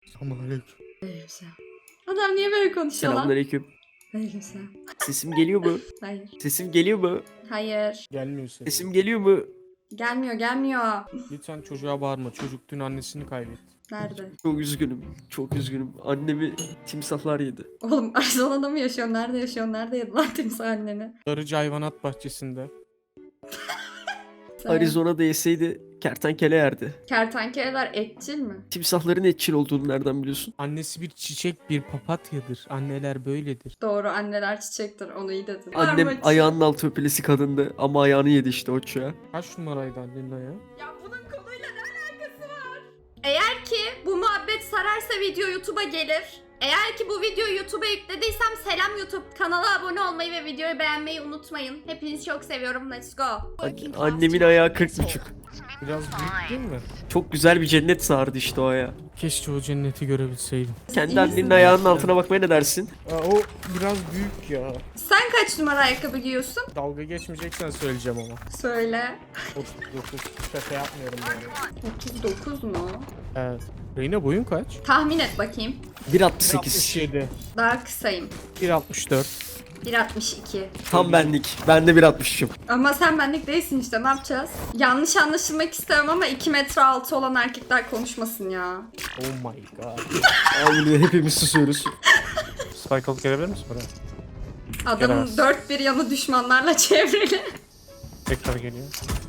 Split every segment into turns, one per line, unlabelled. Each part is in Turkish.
Selamünaleyküm.
Aleykümselam. Adam niye böyle konuşuyor lan?
Selamünaleyküm.
Aleykümselam.
Sesim geliyor mu?
Hayır.
Sesim geliyor mu?
Hayır.
Gelmiyor senin.
Sesim geliyor mu?
Gelmiyor.
Lütfen çocuğa bağırma. Çocuk dün annesini kaybetti.
Nerede?
Çok üzgünüm. Çok üzgünüm. Annemi timsahlar yedi.
Oğlum Arizona'da mı yaşıyorsun? Nerede yaşıyorsun? Nerede yedin lan timsah anneni?
Darıcı hayvanat bahçesinde.
Sen-
Arizona'da yeseydi kertenkele yerdi.
Kertenkeleler etçil mi?
Timsahların etçil olduğunu nereden biliyorsun?
Annesi bir çiçek, bir papatyadır. Anneler böyledir.
Doğru, anneler çiçektir. Onu iyi dedin.
Annem
Armut.
ayağının altı öpülesi kadındı ama ayağını yedi işte o çocuğa.
Kaç numaraydı annenin ayağı?
Ya bunun konuyla ne alakası var? Eğer ki bu muhabbet sararsa video YouTube'a gelir. Eğer ki bu videoyu YouTube'a yüklediysem selam YouTube. Kanala abone olmayı ve videoyu beğenmeyi unutmayın. Hepinizi çok seviyorum. Let's go.
Annemin ayağı 40,5.
Biraz büyük değil mi?
Çok güzel bir cennet sardı işte o ayağı.
Keşke o cenneti görebilseydim.
Kendi
İyi
annenin
misin?
ayağının altına bakmaya ne dersin?
O biraz büyük ya.
Sen kaç numara ayakkabı giyiyorsun?
Dalga geçmeyeceksen söyleyeceğim ama.
Söyle.
39. Şaka yapmıyorum yani.
39 mu?
Evet. Reyna boyun kaç?
Tahmin et bakayım.
1,68.
67.
Daha kısayım.
1.64.
1.62.
Tam benlik. Ben de 1,63'üm.
Ama sen benlik değilsin işte, ne yapacağız? Yanlış anlaşılmak istemem ama 2 metre altı olan erkekler konuşmasın ya.
Oh my god.
Abi hepimiz susuyoruz.
Spike alıp gelebilir misin buraya?
Adamın
Gelemez.
dört bir yanı düşmanlarla çevrili.
Tekrar geliyor.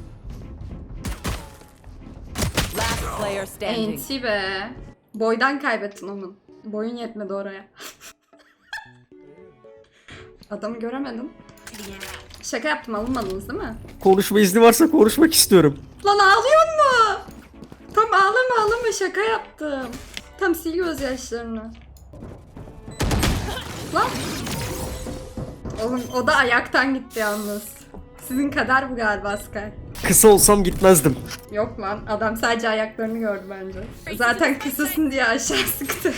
Last player standing.
Enti be. Boydan kaybettin onun. Boyun yetmedi oraya. Adamı göremedim. Şaka yaptım, alınmadınız değil mi?
Konuşma izni varsa konuşmak istiyorum.
Lan ağlıyor mu? Tam ağlama şaka yaptım. Tam sil gözyaşlarını. Lan. Oğlum o da ayaktan gitti yalnız. Sizin kadar bu galiba Sky.
Kısa olsam gitmezdim.
Yok lan, adam sadece ayaklarını gördü bence. Zaten kısasın diye aşağı sıktı.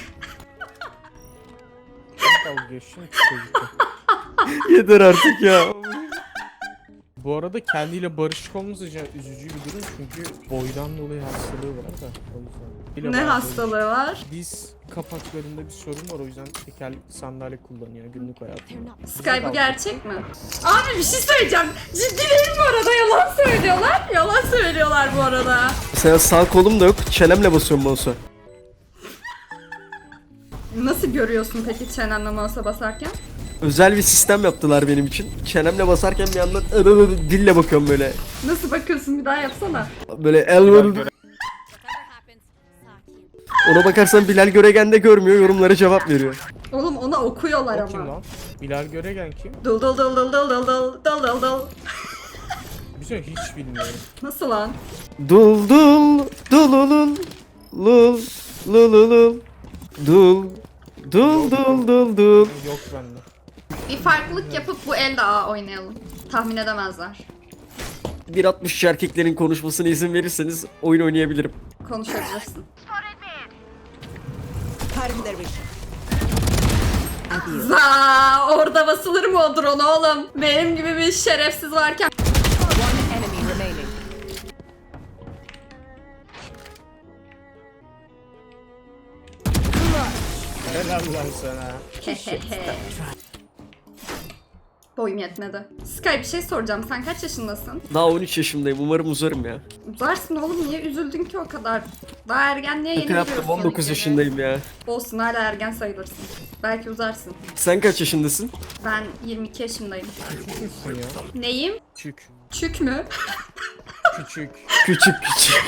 Dalga geçiyor ki çocukla.
Yeter artık ya.
Bu arada kendiyle barışık olması üzücü bir durum çünkü boydan dolayı hastalığı var da o yüzden.
Ne hastalığı var?
Diz kapaklarında bir sorun var, o yüzden tekerlekli sandalye kullanıyor günlük hayatında.
Sky bu gerçek mi? Abi bir şey söyleyeceğim. Ciddi değil bu arada, yalan söylüyorlar. Yalan söylüyorlar bu arada.
Mesela sağ kolum da yok. Çenemle basıyorum mouse'a.
Nasıl görüyorsun peki çenenle mouse'a basarken?
Özel bir sistem yaptılar benim için. Çenemle basarken bir yandan dille bakıyorum böyle.
Nasıl bakıyorsun, bir daha yapsana.
Böyle ona bakarsan Bilal Göregen de görmüyor, yorumlara cevap veriyor.
Oğlum ona okuyorlar
O kim
ama.
lan? Bilal Göregen kim?
Dıl dıl dıl dıl dıl dıl dıl dıl dıl dıl.
Bir şey hiç bilmiyorum.
Nasıl lan?
Dul dul dululul lul lululul dul dul dul dul dul.
Yok bende.
Bir farklılık yapıp bu elde A oynayalım. Tahmin edemezler.
1,60 erkeklerin konuşmasına izin verirseniz oyun oynayabilirim.
Konuşabilirsin.
Cutting their vision. Adios.
Za orada basılır mı o drone oğlum? Benim gibi bir şerefsiz varken.
One enemy remaining.
Helal lan sana.
Boyum yetmedi. Sky bir şey soracağım. Sen kaç yaşındasın?
Daha 13 yaşındayım, umarım uzarım ya.
Uzarsın oğlum, niye üzüldün ki o kadar? Daha ergenliğe yeni
Şaka yaptım,
giriyorsun.
19 yaşındayım ya.
Olsun, hala ergen sayılırsın. Belki uzarsın.
Sen kaç yaşındasın?
Ben 22 yaşındayım.
Küçüksün ya.
Neyim?
Küçük.
Çük mü?
Küçük.
Küçük küçük.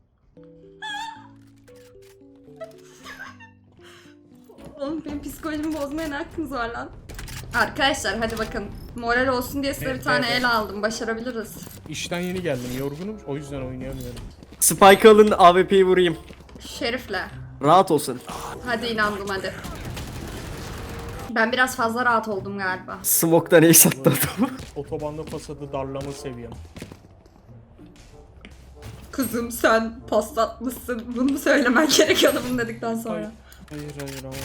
Oğlum benim psikolojimi bozmaya ne hakkınız var lan? Arkadaşlar hadi bakın. Moral olsun diye size bir tane el aldım. Başarabiliriz.
İşten yeni geldim. Yorgunum. O yüzden oynayamıyorum.
Spike alın, AWP'yi vurayım.
Şerif'le.
Rahat olsun.
Hadi inandım hadi. Ben biraz fazla rahat oldum galiba.
Smoke'dan ace attı adamı.
Otobanda pasadı darlama seviyem.
Kızım sen paslatmışsın. Bunu mu söylemen gerekiyordu bunu dedikten sonra?
Hayır ama.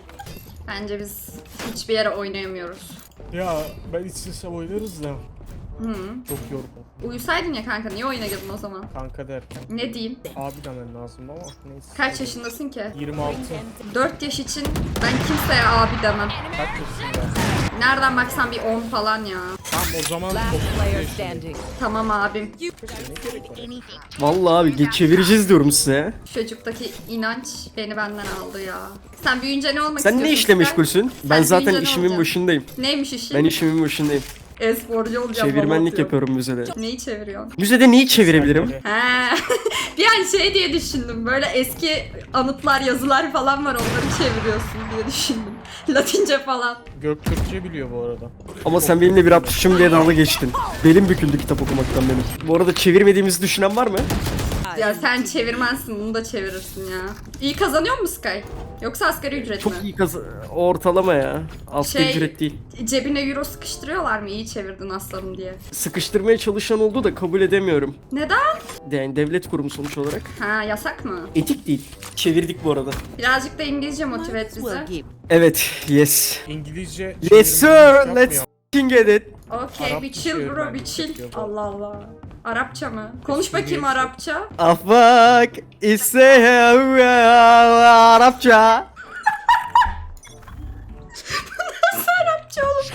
Bence biz hiçbir yere oynayamıyoruz.
Ya ben istesem oynarız da. Çok yorgun.
Uyusaydın ya kanka, niye oyuna girdin o zaman?
Kanka derken.
Ne diyeyim?
Abi demen lazım ama neyse.
Kaç yaşındasın ki?
26.
4 yaş için ben kimseye abi demem.
Kaç yaşında?
Nereden baksan bir 10 falan ya.
Tamam o zaman
Last
30
player
yaşındayım.
standing.
Tamam abim.
Vallahi abi çevireceğiz diyorum size.
Şu çocuktaki inanç beni benden aldı ya. Sen büyüyünce ne olmak
Sen
istiyorsun?
ne işle
Sky?
meşgulsün? Ben
Sen
zaten
büyüyünce ne
işimin
olacaksın?
başındayım.
Neymiş işin?
Ben işimin başındayım.
E-sporcu olacağım.
Çevirmenlik
baba
yapıyorum müzede.
Neyi çeviriyorsun?
Müzede neyi çevirebilirim?
He. Bir an şey diye düşündüm. Böyle eski anıtlar, yazılar falan var. Onları çeviriyorsun diye düşündüm. Latince falan.
Göktürkçe biliyor bu arada.
Ama sen benimle bir aptışım diye dalga geçtin. Belim büküldü kitap okumaktan benim. Bu arada çevirmediğimizi düşünen var mı?
Ya sen çevirmensin, bunu da çevirirsin ya. İyi kazanıyor musun Sky? Yoksa asgari ücret
Çok
mi?
iyi ortalama ya. Asgari
Şey-
ücret değil.
Cebine euro sıkıştırıyorlar mı? İyi çevirdin aslanım diye.
Sıkıştırmaya çalışan oldu da kabul edemiyorum.
Neden?
Yani devlet kurumu sonuç olarak.
Ha, yasak mı?
Etik değil. Çevirdik bu arada.
Birazcık da İngilizce motive et bizi.
Evet, yes.
İngilizce
Yes sir,
çevirmenlik
let's
yapmıyor.
f***ing get it.
Okey,
Arap
bir chill bro, bir
çevirmenlik
chill.
yapıyor bu.
Allah Allah. Arapça mı? Konuş bakayım
Cumhuriyet-
Arapça.
Afak ise Arapça.
Arapça oğlum.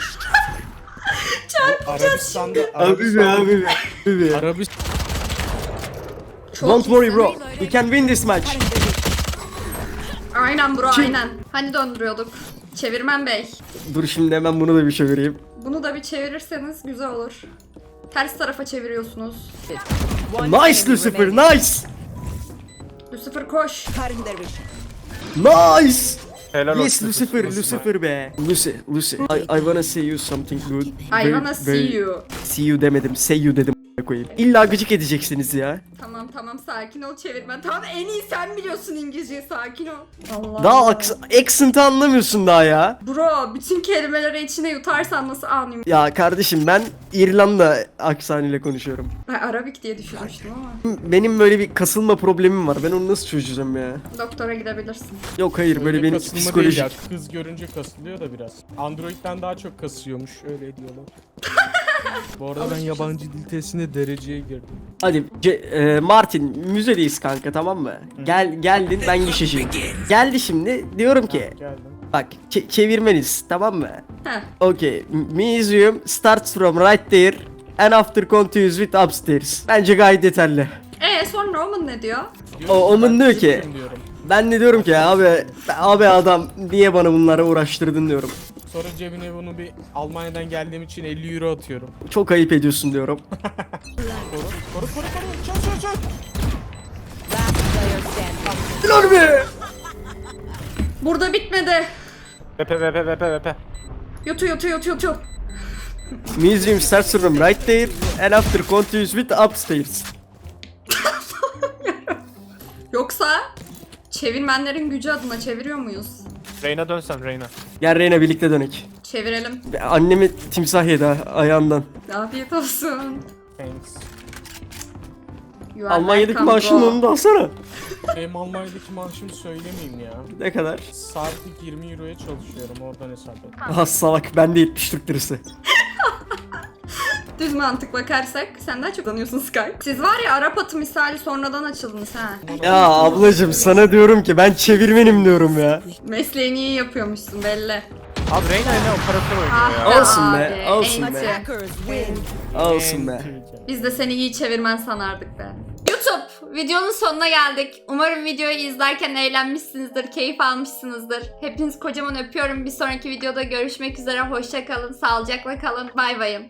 Arabistan'da
Abi be abi be. Abi be.
Arabistan
Çok
Don't worry
iyisin.
bro. We can win this match.
Aynen bro,
Chill.
aynen. Hani döndürüyorduk. Çevirmen bey.
Dur şimdi hemen bunu da bir çevireyim.
Bunu da bir çevirirseniz güzel olur. Ters tarafa çeviriyorsunuz.
Nice Lucifer, nice.
Lucifer koş.
Nice.
helal
Yes
olsun.
Lucifer, Lucifer be. Lucy. I wanna say you something good.
I wanna see you.
See you demedim, say you dedim koyayım. İlla gıcık edeceksiniz ya.
Tamam sakin ol çevirmen. Tamam, en iyi sen biliyorsun İngilizceyi, sakin ol. Allah
Daha
Allah.
accent'ı anlamıyorsun daha ya.
Bro, bütün kelimeleri içine yutarsan nasıl anlayayım?
Ya kardeşim ben İrlanda aksanıyla konuşuyorum.
Ben Arabik diye düşünmüştüm ama.
Benim böyle bir kasılma problemim var. Ben onu nasıl çözeceğim ya?
Doktora gidebilirsin.
Yok hayır böyle benim
Kasılma değil
psikolojik.
ya, kız görünce kasılıyor da biraz. Android'den daha çok kasıyormuş, öyle diyorlar. Bu arada ben yabancı dil testine dereceye girdim.
Hadi Martin müzedeyiz kanka, tamam mı? Geldin, ben gişeciyim. Geldi şimdi diyorum ki
Geldim.
bak çevirmeniz, tamam mı?
Heh.
Okay, museum starts from right there and after continues with upstairs. Bence gayet yeterli.
Sonra Roman ne diyor?
Omen diyor ki
Türk'üm diyorum.
ben de diyorum ki abi adam niye bana bunları uğraştırdın diyorum.
Sonra cebine bunu bir Almanya'dan geldiğim için 50 euro atıyorum.
Çok ayıp ediyorsun diyorum.
Koru. Çal.
Last player standing.
Lan be!
Burada bitmedi.
Vepe.
Yutu.
Museum starts from right there and after continues with upstairs.
Yoksa çevirmenlerin gücü adına çeviriyor muyuz?
Reyna dönsem Reyna.
Gel Reyna birlikte dönek.
Çevirelim.
Annemi timsah yedi ayağından.
Afiyet olsun.
Thanks.
You are
Almanya'daki
welcome,
maaşının
bro.
onu da alsana.
Benim Almanya'daki maaşımı söylemeyeyim ya.
Ne kadar?
Saatlik 20 euroya çalışıyorum, oradan hesap et.
Aha salak, bende 70 Türk lirası.
Düz mantık bakarsak sen daha çok tanıyorsun Sky. Siz var ya Arap atı misali sonradan açıldınız ha.
Ya ablacım sana diyorum ki ben çevirmenim diyorum ya.
Mesleğini iyi yapıyormuşsun belli.
Abi Reyna ile operatör oynuyor ya.
Olsun be,
abi,
olsun
enti.
be.
Hackers win.
Olsun be.
Biz de seni iyi çevirmen sanardık be. YouTube, videonun sonuna geldik. Umarım videoyu izlerken eğlenmişsinizdir, keyif almışsınızdır. Hepinizi kocaman öpüyorum. Bir sonraki videoda görüşmek üzere. Hoşça kalın, sağlıcakla kalın. Bay bayın.